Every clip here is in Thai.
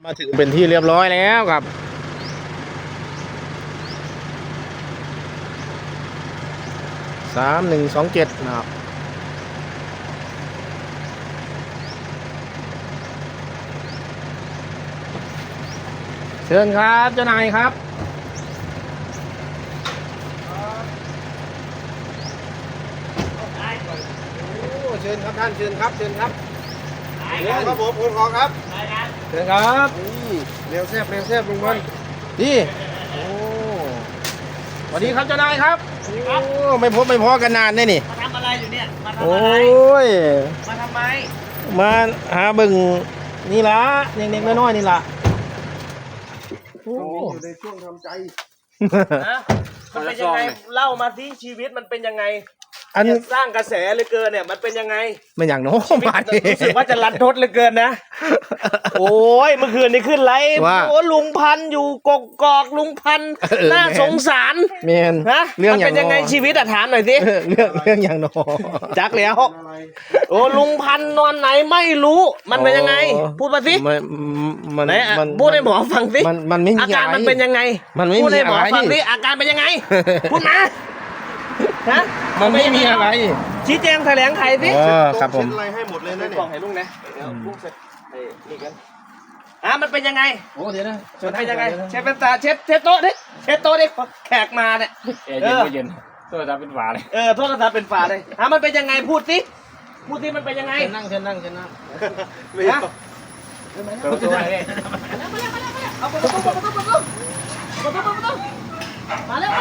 มาถึงเป็นที่เรียบร้อยแล้วครับ3127นะครับเชิญครับเจ้านายครับเชิญครับท่านเชิญครับเชิญครับเชิญครับผมคุณขอครับเชิญครับนี่เร็วแซ่บลุงบอลนี่โอ้สวัสดีครับเจ้านายครับโอ้ไม่พอกันนานแน่นี่มาทำอะไรอยู่เนี่ยมาทำโอ้อะไรยมาทำไมมาหาบึงนี่ละเด็กๆน้อยๆนี่ละโอ้อยู่ในช่วงทำใจมันเป็นยังไงเล่ามาสิชีวิตมันเป็นยังไงอันสร้างกระแสเหลือเกินเนี่ยมันเป็นยังไงมันอย่างโน้มมาดิรู้สึกว่าจะรันทดเหลือเกินนะโอ้ยเมื่อคืนนี้ขึ้นไลฟ์โอ้ลุงพันอยู่กกอกลุงพันน่าสงสารเมนฮะเรื่องเป็นยังไงชีวิตถามหน่อยสิเรื่องอย่างโน้จักแล้วโอ้ลุงพันนอนไหนไม่รู้มันเป็นยังไงพูดมาสิมันพูดให้หมอฟังสิมันไม่มีอาการมันเป็นยังไงพูดให้หมอฟังสิอาการเป็นยังไงพูดมาฮะมันไม่มีอะไรชี้แจงแถลงไขสิครับผมอะไรให้หมดเลยนะเนี่ยบอกให้ลุงนะเดี๋ยวลุงเสร็จนี่กันมันเป็นยังไงโอ้เดี๋ยวนะมันเป็นยังไงเชฟเป็นตาเชฟโต๊ะดิเชฟโต๊ะดิแขกมาเนี่ยเย็นโทรศัพท์เป็นฝาเลยโทรศัพท์เป็นฝาเลยมันเป็นยังไงพูดสิมันเป็นยังไงเชิญนั่งไม่เอาตัวเลยเอาประตูมาแล้ว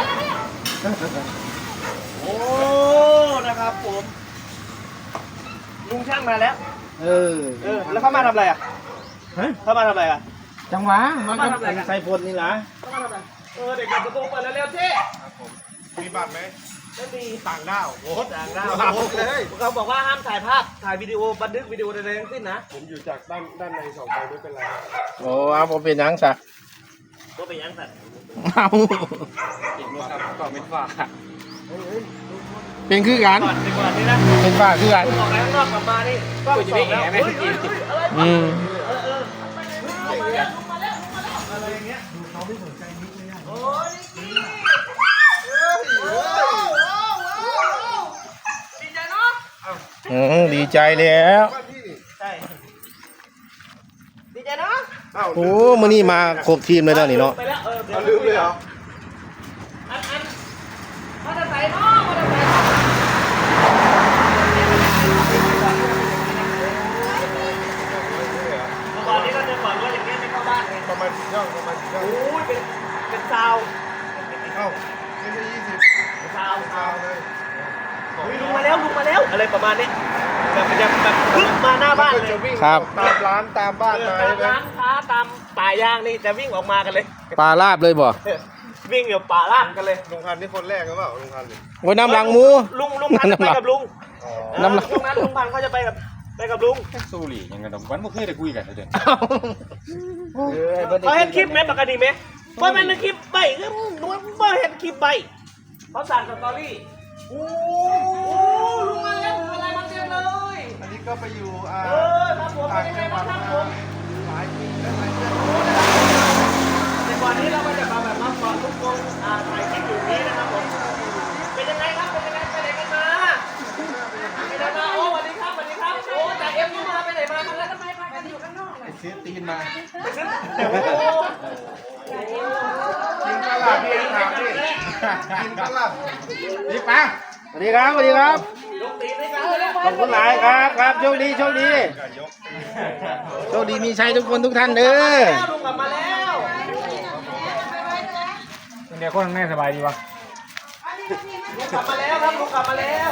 โอ้นะครับผมลุงช่างมาแล้วแล้วเขามาทำอะไรอ่ะเขามาทำอะไรอ่ะจังหวะมันก็ใส่ฝนนี่ล่ะเด็กประตูเปิดแล้วเร็วที่มีบัตรไหมไม่มีต่างด้าวโอ้ต่างด้าวเลยเขาบอกว่าห้ามถ่ายภาพถ่ายวิดีโอบันทึกวิดีโอใดๆทั้งสิ้นนะผมอยู่จากด้านใน2 ใบไม่เป็นไรโอ้เอาผมเป็นยังสักก็เป็นยังสักเอาอีกมั้งครับก็เป็นฝาเป็นคือกันก่อนนี่นะเป็นฝาคือกันออกไปข้างนอกกลับมานี่ก็จะไม่แอบไม่กินอะไรอย่างเงี้ยเขาไม่สนใจนิดเลยโอ้ยดีใจเนาะดีใจแล้วใช่ดีใจเนาะโอ้มื้อนี้มาครบทีมเลยแล้วนี่เนาะลืมเลยเหรอมาจะใส่เนาะมาจะใส่ตอนนี้ก็จะบอกว่าอย่างนี้ไม่เข้าบ้านเลยประมาณ10 ช่องโอ้ยเป็นซาวไม่ใช่20 ซาวเลยลุงมาแล้วอะไรประมาณนี้แบบพึ่งมาหน้าบ้านเลยครับตามร้านตามบ้านมาตามร้านค้าตามป่าย่างนี่จะวิ่งออกมากันเลยปลาลาบเลยบ่วิ่งอยู่ป่าล่างกันเลยลุงพันนี่คนแรกหรือเปล่าลุงพันโอ้ยน้ำหลังหมูลุงพันไปกับลุงน้ำหลังตรงนั้นลุงพันเขาจะไปกับลุงสู้หลียังไงวันเมื่อคืนได้คุยกันเลยเขาเห็นคลิปไหมปกติไหมเพราะมันคลิปใบก็ว่าเห็นคลิปใบเขาสั่งสตอรี่โอ้ลุงมาแล้วอะไรมาเต็มเลยอันนี้ก็ไปอยู่ครับผมเป็นยังไงบ้างครับผมหลายปีแล้วหลายเดือนแต่ก่อนนี้เราก็จะมาแบบมาก่อนทุกคนถ่ายคลิปอยู่นี้นะครับผมเป็นยังไงครับไปไหนกันมาโอ้สวัสดีครับโอ้จากเอ็มยูมาไปไหนมาแล้วทำไมพากันอยู่ข้างนอกซื้อตีนมากินตลาดพี่ถามดิกินตลาดนี่ป้าสวัสดีครับขอบคุณหลายครับโชคดีมีชัยทุกคนทุกท่านเด้อลุงกลับมาแล้วเดี๋ยวคนแม่สบายดีวะลุงกลับมาแล้วครับลุงกลับมาแล้ว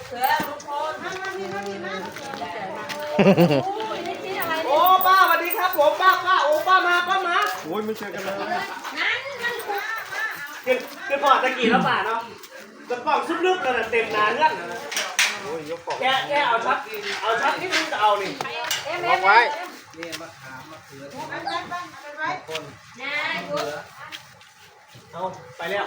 โอ้ป้าสวัสดีครับผมป้าโอ้ป้ามาโอ้ยไม่เจอกันเลยคือพอตะกี้แล้วป่าเนาะกระป๋องซุปลึกเลยเต็มนาเงื่อนแค่เอาชัดที่มึงจะเอานี่ล็อกไว้เอาไปแล้ว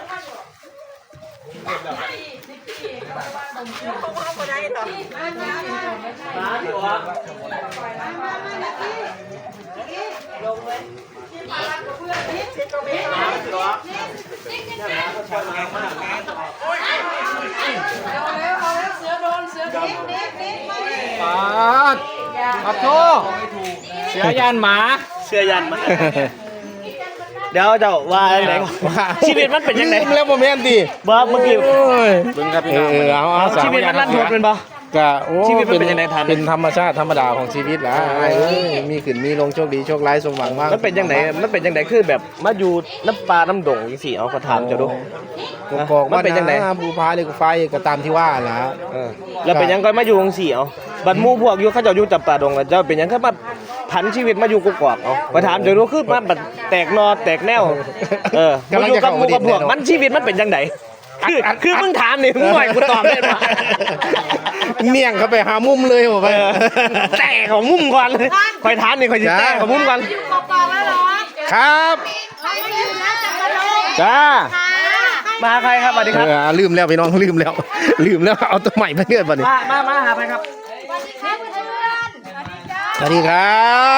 มาดิวะปาดอับโทเสือยันหมาเชื่อยันมั้ยเดี๋ยวเจ้าว่าอะไรชีวิตมันเป็นยังไงลืมแล้วโมเมนต์ดิบ่เมื่อกี้โอ้ยเบิ่งครับพี่น้องเอาชีวิตมันรันทดเป็นบ่ก็โอ้ชีวิตมันเป็นยังไงทันเป็นธรรมชาติธรรมดาของชีวิตแหละมีขึ้นมีลงโชคดีโชคร้ายสมหวังมากมันเป็นยังไงมันเป็นยังไงคือแบบมาอยู่น้ำปลาน้ำดงจังซี่เอาก็ถามเจ้าดูกอกมันเป็นจังได๋ภูพาเลยก็ไฟก็ตามที่ว่าแหละแล้วเป็นยังก็มาอยู่จังซี่เอาบัดหมู่พวกอยู่เขาเจ้าอยู่จับปลาดงแล้วเจ้าเป็นยังคือมาผันชีวิตมาอยู่กุกกอกเอาก็ถามเจ้าดูคือมาบัดแตกนอแตกแนวมาอยู่กับหมู่กับพวกมันชีวิตมันเป็นจังไดคือมึงถามนี่มึงหน่อยกูตอบได้ป่ะเมี่ยงเขาไปหามุมเลยบอกไปแต่ของมุมก่อนเลยคอยทานนี่คอยจะแต่ของมุมก่อนอยู่กอกๆแล้วเหรอครับใครมาอยู่นะจักรโลกจ้ามาใครครับสวัสดีครับลืมแล้วพี่น้องลืมแล้วเอาตัวใหม่มาเรื่อยบ่นี่มาหาใครครับสวัสดีครับเพื่อนๆสวัสดีจ้าสวัสดีครับ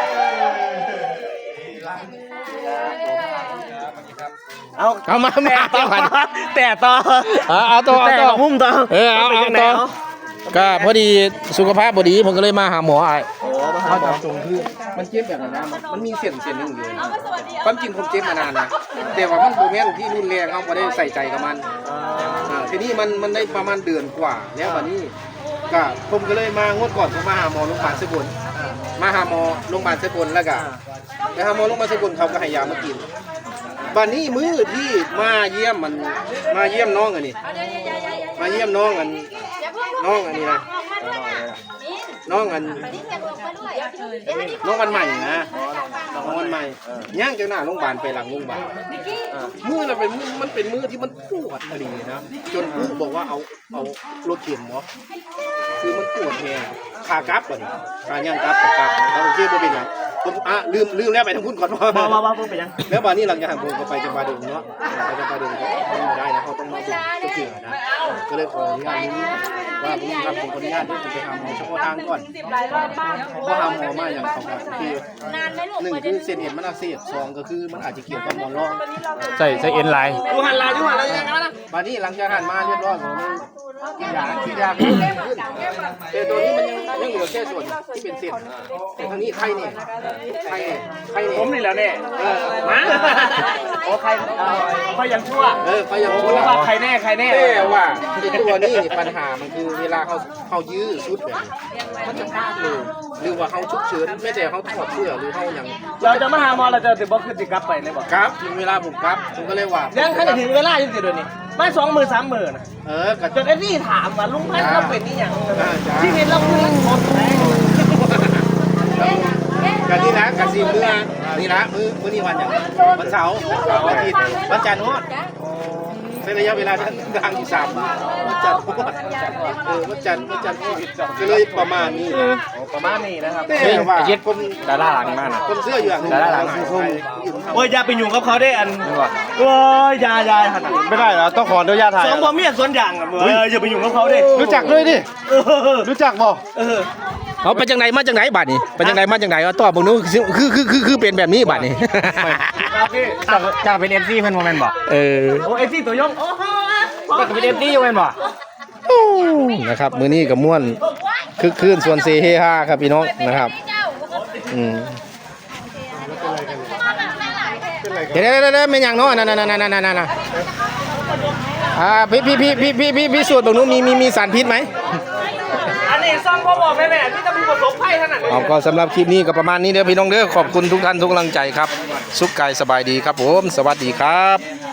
เอามาแต่ต่อเอาตัวแต่ของมุมต่อเอาต่อก็พอดีสุขภาพพอดีผมก็เลยมาหาหมอไอ้เขาจับตรงคือมันเจ็บแบบนั้นนะมันมีเส้นหนึงอยู่ความจริงผมเจ็บมานานนะแต่ว่ามันโมเมนต์ที่รุนแรงเขาไม่ได้ใส่ใจกับมันทีนี้มันได้ประมาณเดือนกว่าแล้ววันนี้ก็ผมก็เลยมางวดก่อนผมมาหาหมอโรงพยาบาลเซบุญมาหาหมอโรงพยาบาลเซบุญแล้วก็ไปหาหมอโรงพยาบาลเซบุญเขาก็ให้ยามากินบัดนี้มื้อที่มาเยี่ยมน้องอันนี้มาเยี่ยมน้องอันน้องอันนี้นะน้องอันน้องวันใหม่นะน้องวันใหม่ย่างจากหน้าโรงพยาบาลไปหลังโรงพยาบาลมื้อนั้นเป็นมันเป็นมื้อที่มันปวดพอดีนะจนผู้บอกว่าเอารถเข็นเนาะคือมันปวดแฮงขากลับก่อนขาย่างกลับโอเคบ่เป็นหยังผมลืมแล้วไปทางพุ่นก่อนว่าเพิ่งไปยังแล้ววันนี้หลังจากผมก็ไปจำปาดงเนาะไปจำปาดงก็ไม่ได้นะเขาต้องมาบุกก็เกี่ยวนะก็เลยขออนุญาตนี้ว่าผมทำผมขออนุญาตที่ผมไปทำหมอเฉพาะทางก่อนก็ทำหมอมาอย่างเขาแบบคือหนึ่งคือเส้นเอ็นมันอักเสบสองก็คือมันอาจจะเกี่ยวกับหมอนรองใส่เอ็นไลน์ยูหันลายยังไงนะวันนี้หลังจากหันมาเรียบร้อยผมที่ยาขึ้นแต่ตัวนี้มันยังเหลือแค่ส่วนที่เป็นเส้นแต่ทางนี้ไข้เนี่ยไข้เนี่ยผมนี่แล้วเนี่ยมาโอ้ใครยังชั่วไฟยังชั่วว่าใครแน่แต่ว่าไอ้ตัวนี้ปัญหามันคือเวลาเขายื้อชุดแบบมันจะพลาดเลยหรือว่าเขาฉุกเฉินไม่แต่เขาถอดเสื้อหรือเขาอย่างเราจะมาหาหมอเราจะติดบล็อกขึ้นติดกลับไปเลยบอกครับถึงเวลาผมครับผมก็เลยว่ายังถ้าถึงเวลาอยู่สิเดี๋ยวนี้ไม่20,000-30,000นะกับจนไอ้นี่ถามว่าลุงพันธ์เราเป็นนี่อย่างที่เห็นเราคือหมดแล้วกันนี่นะกันซีเมื่อนี่นะมื้อนี้วันอย่างวันเสาร์วันอาทิตย์วันจันทร์ฮอดใช้ระยะเวลาทางอยู่3 วันวันจันทร์ฮอดวันจันทร์ฮอดก็เลยประมาณนี้ประมาณนี้นะครับแต่ว่าคนดาราหลังมากนะคนเสื้ออยู่อย่างดาราหลังคือโอ้ยอย่าไปยุ่งกับเขาได้อันโอ้ยอย่าหันไม่ได้เหรอต้องขออนุญาตถ่ายสองพ่อเมียสวนอย่างอ่ะอย่าไปยุ่งกับเขาได้รู้จักด้วยดิรู้จักบ่เขาไปจังไหนมาจังไหนบัดนี้ไปจังไหนมาจังไหนตอบผมนู้คือเป็นแบบนี้บัดนี้จากเป็น FC เพิ่นบ่แม่นบ่โอ้เอซี่ตัวยงโอ้โหจากเป็น FC อยู่แม่นบ่นะครับมื้อนี้กับม่วนคึกคืนส่วนเซเฮฮาครับพี่น้องนะครับเดี๋ยวไม่ยังเนาะนั่นพี่สูตรตรงนู้นมีสารพิษไหมอันนี้ซ่อมพ่อบอกแม่ที่จะมีประสบภัยขนาดนี้เอาก็สำหรับคลิปนี้ก็ประมาณนี้เด้อพี่น้องเด้อขอบคุณทุกท่านทุกกำลังใจครับสุขกายสบายดีครับผมสวัสดีครับ